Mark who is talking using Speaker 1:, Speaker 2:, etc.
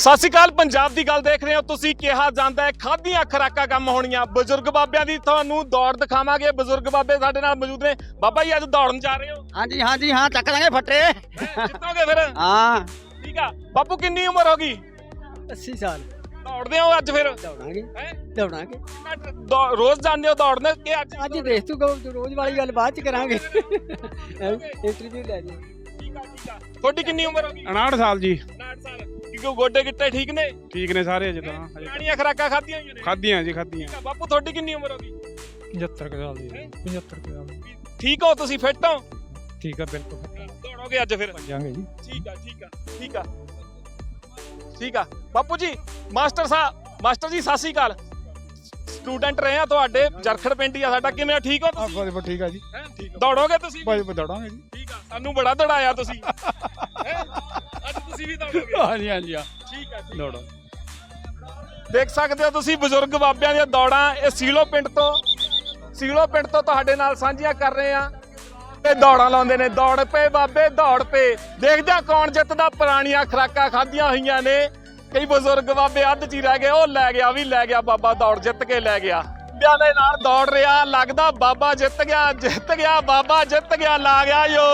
Speaker 1: ਸਤਿ ਸ਼੍ਰੀ ਅਕਾਲ। ਪੰਜਾਬ ਦੀ ਗੱਲ ਦੇਖ ਰਹੇ ਹੋ ਤੁਸੀਂ। ਕਿਹਾ ਜਾਂਦਾ ਹੈ ਖਾਧੀਆਂ ਖੁਰਾਕਾਂ ਕੰਮ ਹੋਣੀਆਂ। ਬਜ਼ੁਰਗ ਬਾਬਿਆਂ ਦੀ ਤੁਹਾਨੂੰ ਦੌੜ ਦਿਖਾਵਾਂਗੇ। ਬਜ਼ੁਰਗ ਬਾਬੇ ਸਾਡੇ ਨਾਲ ਮੌਜੂਦ ਨੇ। ਬਾਬਾ ਜੀ ਅੱਜ ਦੌੜਨ ਜਾ ਰਹੇ ਹੋ?
Speaker 2: ਹਾਂਜੀ ਹਾਂਜੀ ਹਾਂ ਚੱਕ ਦਾਂਗੇ ਫੱਟੇ।
Speaker 1: ਜਿੱਤੋਗੇ ਫਿਰ?
Speaker 2: ਹਾਂ
Speaker 1: ਠੀਕ ਆ। ਬਾਪੂ ਕਿੰਨੀ ਉਮਰ ਹੋ ਗਈ?
Speaker 2: 80 ਸਾਲ।
Speaker 1: ਦੌੜਦੇ ਹੋ ਅੱਜ ਫਿਰ?
Speaker 2: ਦੌੜਾਂਗੇ
Speaker 1: ਹੈਂ?
Speaker 2: ਦੌੜਾਂਗੇ।
Speaker 1: ਰੋਜ਼ ਜਾਂਦੇ ਹੋ ਦੌੜਨ ਕਿ
Speaker 2: ਅੱਜ ਦੇਖ ਤੂੰ ਰੋਜ਼ ਵਾਲੀ ਗੱਲ ਬਾਅਦ ਚ ਕਰਾਂਗੇ। ਇੰਟਰਵਿਊ ਲੈ ਜੀ।
Speaker 1: ਠੀਕ ਆ ਠੀਕ ਆ। ਤੁਹਾਡੀ ਕਿੰਨੀ ਉਮਰ ਹੋ ਗਈ?
Speaker 3: 59 ਸਾਲ ਜੀ।
Speaker 1: 59 ਸਾਲ। ਕਿਉਂ ਗੋਡੇ ਗਿੱਟੇ ਠੀਕ ਨੇ?
Speaker 3: ਠੀਕ ਨੇ ਸਾਰੇ ਅਜੇ ਤਾਂ
Speaker 1: ਪੁਰਾਣੀਆਂ ਖੁਰਾਕਾਂ ਖਾਧੀਆਂ ਹੋਈਆਂ ਨੇ?
Speaker 3: ਖਾਧੀਆਂ ਜੀ ਖਾਧੀਆਂ।
Speaker 1: ਠੀਕ ਆ। ਬਾਪੂ ਤੁਹਾਡੀ ਕਿੰਨੀ ਉਮਰ ਹੋ ਗਈ?
Speaker 3: 75 ਸਾਲ ਦੀ। 75 ਸਾਲ ਦੀ।
Speaker 1: ਠੀਕ ਹੋ ਤੁਸੀਂ? ਫਿੱਟ ਹੋ?
Speaker 3: ਠੀਕ ਆ ਬਿਲਕੁਲ।
Speaker 1: ਦੌੜੋਗੇ ਅੱਜ ਫਿਰ?
Speaker 3: ਜਾਂਗੇ ਜੀ।
Speaker 1: ਠੀਕ ਆ ਠੀਕ ਆ ਠੀਕ ਆ ਠੀਕ ਆ। ਬਾਪੂ ਜੀ ਮਾਸਟਰ ਜੀ ਸਤਿ ਸ਼੍ਰੀ ਅਕਾਲ। ਸਟੂਡੈਂਟ ਰਹੇ ਆ ਤੁਹਾਡੇ। ਜਰਖੜ ਪਿੰਡ ਹੀ ਆ ਸਾਡਾ। ਕਿਵੇਂ ਠੀਕ ਹੋ ਤੁਸੀਂ?
Speaker 3: ਬਸ ਠੀਕ ਆ ਜੀ।
Speaker 1: ਦੌੜੋਗੇ ਤੁਸੀਂ?
Speaker 3: ਬਸ ਦੌੜਾਂਗੇ ਜੀ।
Speaker 1: ਠੀਕ ਆ। ਸਾਨੂੰ ਬੜਾ ਦੌੜਾਇਆ ਤੁਸੀਂ। ਅੱਜ ਤੁਸੀਂ ਵੀ ਦੌੜੋਗੇ?
Speaker 3: ਹਾਂਜੀ ਹਾਂਜੀ
Speaker 1: ਠੀਕ ਆ
Speaker 3: ਦੌੜੋ।
Speaker 1: ਦੇਖ ਸਕਦੇ ਹੋ ਤੁਸੀਂ ਬਜ਼ੁਰਗ ਬਾਬਿਆਂ ਦੀਆਂ ਦੌੜਾਂ। ਇਹ ਸੀਲੋ ਪਿੰਡ ਤੋਂ ਤੁਹਾਡੇ ਨਾਲ ਸਾਂਝੀਆਂ ਕਰ ਰਹੇ ਆ। ਤੇ ਦੌੜਾਂ ਲਾਉਂਦੇ ਨੇ। ਦੌੜ ਪਏ ਬਾਬੇ ਦੌੜ ਪਏ। ਦੇਖਦੇ ਆ ਕੌਣ ਜਿੱਤਦਾ। ਪੁਰਾਣੀਆਂ ਖੁਰਾਕਾਂ ਖਾਧੀਆਂ ਹੋਈਆਂ ਨੇ। ਕਈ ਬਜ਼ੁਰਗ ਬਾਬੇ ਅੱਧ ਚ ਹੀ ਰਹਿ ਗਏ। ਉਹ ਲੈ ਗਿਆ ਵੀ ਲੈ ਗਿਆ ਬਾਬਾ। ਦੌੜ ਜਿੱਤ ਕੇ ਲੈ ਗਿਆ। ਬਿਆਂ ਦੇ ਨਾਲ ਦੌੜ ਰਿਹਾ। ਲੱਗਦਾ ਬਾਬਾ ਜਿੱਤ ਗਿਆ ਬਾਬਾ ਜਿੱਤ ਗਿਆ। ਲਾ ਗਿਆ ਜੋ